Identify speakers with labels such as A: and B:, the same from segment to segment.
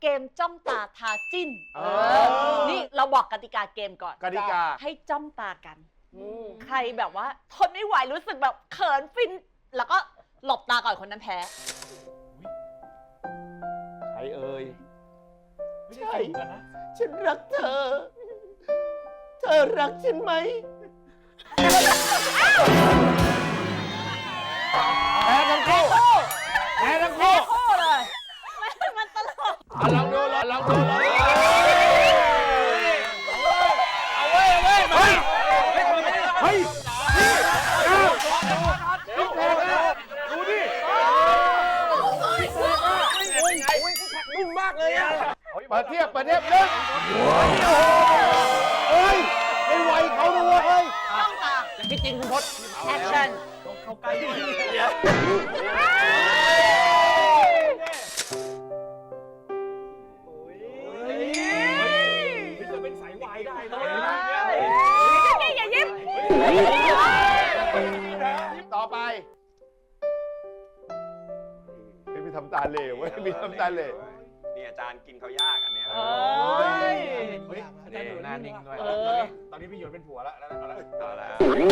A: เกมจ้องตาทาจิ้นนี่เราบอกกติกาเกมก่อน
B: กติกา
A: ให้จ้องตากันใครแบบว่าทนไม่ไหวรู้สึกแบบเขินฟินแล้วก็หลบตาก่อนคนนั้นแพ้
B: ใครเอ่ย
C: ใช่
B: ฉันรักเธอ เธอรักฉันไหมแพ้ทั้งคู่แพ้ทั้งคู่
A: คู่เลยมันตลก
B: ลองดูลองดูเอาเว้ยเฮ้ยดูดินุ่มมากเลยอ่ะเปิดเทียบนึงเฮ้ยไม่ไหวเขาดูเฮ้ย
A: จ้องตา
B: พี่จริงคุณพศ
A: แอคชั่น
C: เข้าใกล้จะเป็นสายวายได้นะ
A: อย่ายิ้ม
B: ต่อไปไม่ทำตาเหลวเว้ยไม่ทำตาเหลว
D: นี่อาจารย์กินเขายากอันเนี้ย
C: เฮ้ยอาจารย์ดูหน้านิ่งด้วยตอนนี้พี่หยวนเป็นผัวแล้วแล้ว
D: ต่อแล้ว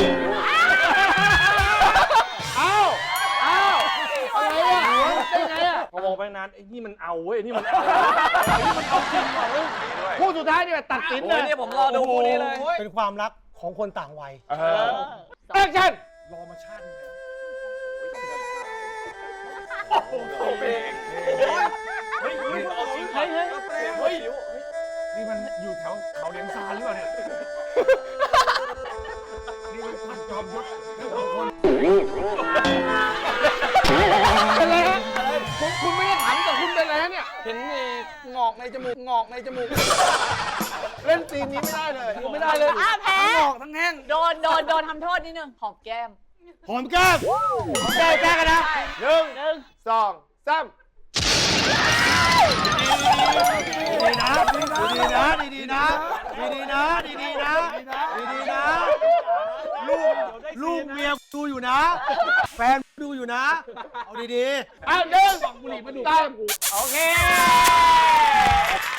B: อะไรอ่ะได้ไงอ่ะ
C: พอมองไปนานไอ้นี่มันเอาเว้ยนี่มันเอาจริงเหรอ
B: คู่สุดท้ายนี่ตัดสินเลย
D: เนี่ยผมรอดูคู่นี้เลย
E: เป็นความรักของคนต่างวัย
B: แอคชั่น
C: รอมาชาติ
D: โอ้โหเพลง
C: เฮ้ยเอาจริงเฮ้ยนี่มันอยู่แถวเขาเลี้ยงซานหรือเปล่าเนี่ยนี่มันพันจอมยุทธคน
B: เป็นไรฮะคุณไม่ได้ถามแต่คุณเป็นไรฮะเนี่ย
D: เห็นมีงอกในจมูก
B: เล่นซีนนี้ไม่ได้เลยไม่ได้เลย
A: แพ้
D: งอกทั้งแห้ง
A: โดนทำโทษนิดนึงหอมแก้ม
B: หอมแก้มแก้กันนะ1 2 3
E: ดีนะลูกเมียดูอยู่นะ แฟนดูอยู่นะ เอาดีๆ
B: 1 2 3โอเค